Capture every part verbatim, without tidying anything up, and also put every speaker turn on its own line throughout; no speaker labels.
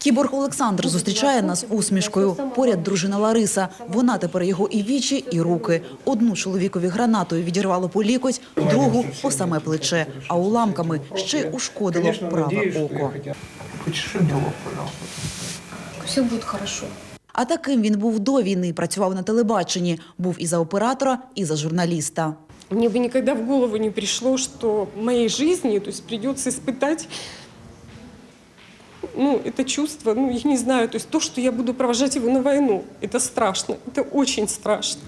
Кіборг Олександр зустрічає нас усмішкою. Поряд дружина Лариса. Вона тепер його і вічі, і руки. Одну чоловікові гранатою відірвало по лікоть, другу – по саме плече. А уламками ще й ушкодило праве око.
Все буде хорошо.
А таким він був до війни, працював на телебаченні. Був і за оператора, і за журналіста.
Мне бы никогда в голову не пришло, что в моей жизни, то есть придется испытать, ну, это чувство, ну, я не знаю, то есть то, что я буду провожать его на войну, это страшно, это очень страшно.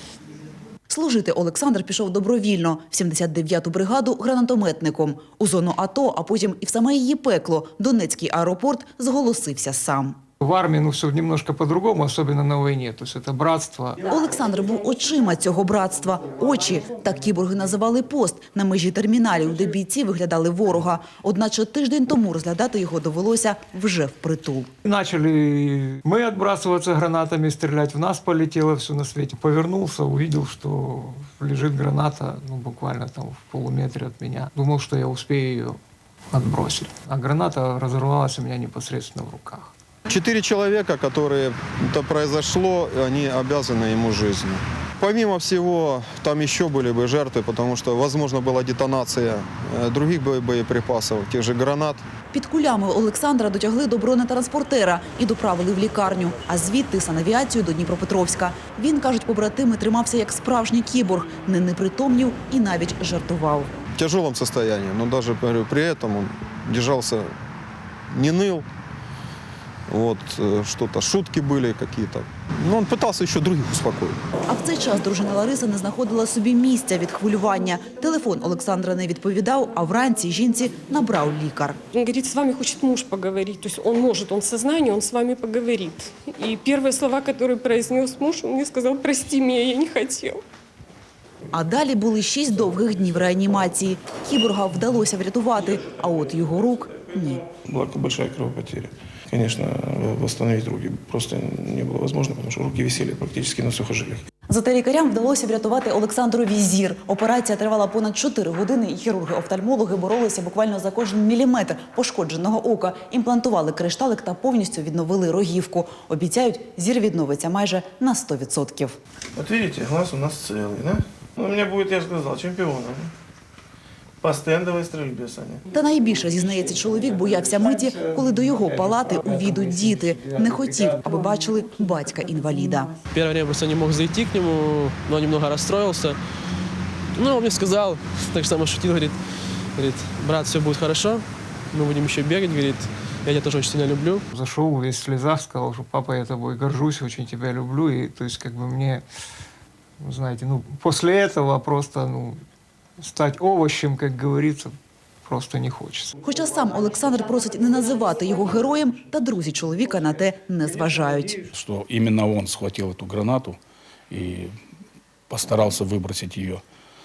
Служити Олександр пішов добровільно в сімдесят дев'яту бригаду гранатометником. У зону АТО, а потім і в саме її пекло, Донецький аеропорт, зголосився сам.
В армии ну, все немножко по-другому, особенно на войне. То есть это братство.
Олександр був очима цього братства. Очі – так кіборги називали пост на межі терміналів, де бійці виглядали ворога. Одначе тиждень тому розглядати його довелося вже впритул.
Начали мы отбрасываться гранатами, стрелять. В нас полетело все на свете. Повернулся, увидел, что лежит граната, ну, буквально там в полуметре от меня. Думал, что я успею ее отбросить. А граната разорвалась у меня непосредственно в руках.
Четыре человека, которые это произошло, они обязаны ему жизнью. Помимо всего, там еще были бы жертвы, потому что, возможно, была детонация других боеприпасов, тех же гранат.
Під кулями Олександра дотягли до бронетранспортера і доправили в лікарню, а звідти санавіацію до Дніпропетровська. Він, кажуть побратими, тримався як справжній кіборг, не непритомнів і навіть жартував.
В тяжелом состоянии, но даже при этом он держался, не ныл. Вот, что-то, шутки были какие-то. Но он пытался еще других успокоить.
А в цей час дружина Лариса не знаходила собі місця від хвилювання. Телефон Олександра не відповідав, а вранці жінці набрав лікар.
Он говорит, с вами хочет муж поговорить. То есть он может, он в сознании, он с вами поговорит. И первые слова, которые произнес муж, он мне сказал: прости меня, я не хотел.
А далі були шість довгих днів реанімації. Кіборга вдалося врятувати, а от його рук – ні.
Была большая кровопотеря. Конечно, восстановить руки просто не было возможно, потому что руки висели практически на сухожилиях.
Зате лікарям вдалося врятувати Олександрові зір. Операція тривала понад чотири години, і хірурги-офтальмологи боролися буквально за кожен міліметр пошкодженого ока. Імплантували кришталик та повністю відновили рогівку. Обіцяють, зір відновиться майже на сто відсотків.
Вот видите, глаз у нас целый, да? Ну, у меня будет, я же сказал, чемпионом. По стендовій стрільбі, Саня.
Та найбільше, зізнається чоловік, боявся миті, коли до його палати увійдуть діти. Не хотів, аби бачили батька-інваліда.
Перше время просто не мог зайти к нему, но немного расстроился. Ну, он мне сказал, так само шутил, говорит, говорит, брат, все будет хорошо, мы будем еще бегать, говорит, я тебя тоже очень сильно люблю.
Зашел весь в слезах, сказал, что папа, я тобой горжусь, очень тебя люблю. И то есть как бы мне, знаете, ну, после этого просто, ну, стать овощем, как говорится, просто не хочеться.
Хоча сам Олександр просить не називати його героєм, та друзі чоловіка на те не зважають.
Что именно он схватил эту гранату и постарался выбросить ее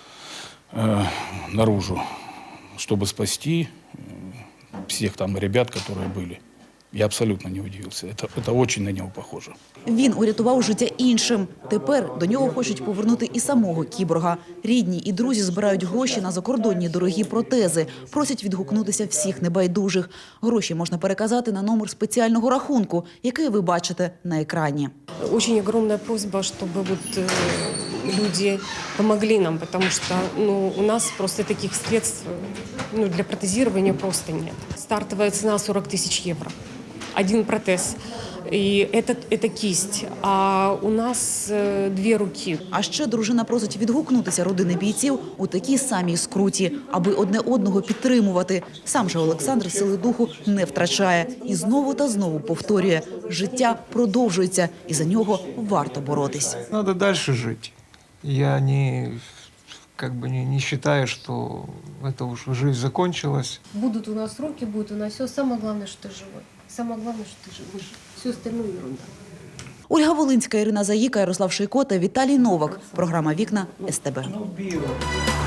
э, наружу, чтобы спасти э, всех там ребят, которые были. Я абсолютно не удивился. Это, это очень на него похоже.
Він урятував життя іншим. Тепер до нього хочуть повернути і самого кіборга. Рідні і друзі збирають гроші на закордонні дорогі протези. Просять відгукнутися всіх небайдужих. Гроші можна переказати на номер спеціального рахунку, який ви бачите на екрані.
Очень огромная просьба, чтобы вот, э, люди помогли нам, потому что ну, у нас просто таких средств ну, для протезирования просто нет. Стартовая цена сорок тысяч евро. Один протез. І це, це кість, а у нас е, дві руки.
А ще дружина просить відгукнутися родини бійців у такій самій скруті, аби одне одного підтримувати. Сам же Олександр сили духу не втрачає. І знову та знову повторює – життя продовжується, і за нього варто боротись.
Надо дальше жить. Я не, как бы не, не считаю, что это уж жизнь закончилась.
Будут у нас руки, будет у нас все. Самое главное, что ты живой. Самое главное, что ты живой. Все остальное ерунда.
Ольга Волинська, Ірина Заїка, Ярослав Шийко та Віталій Новак. Програма «Вікна» ес те бе.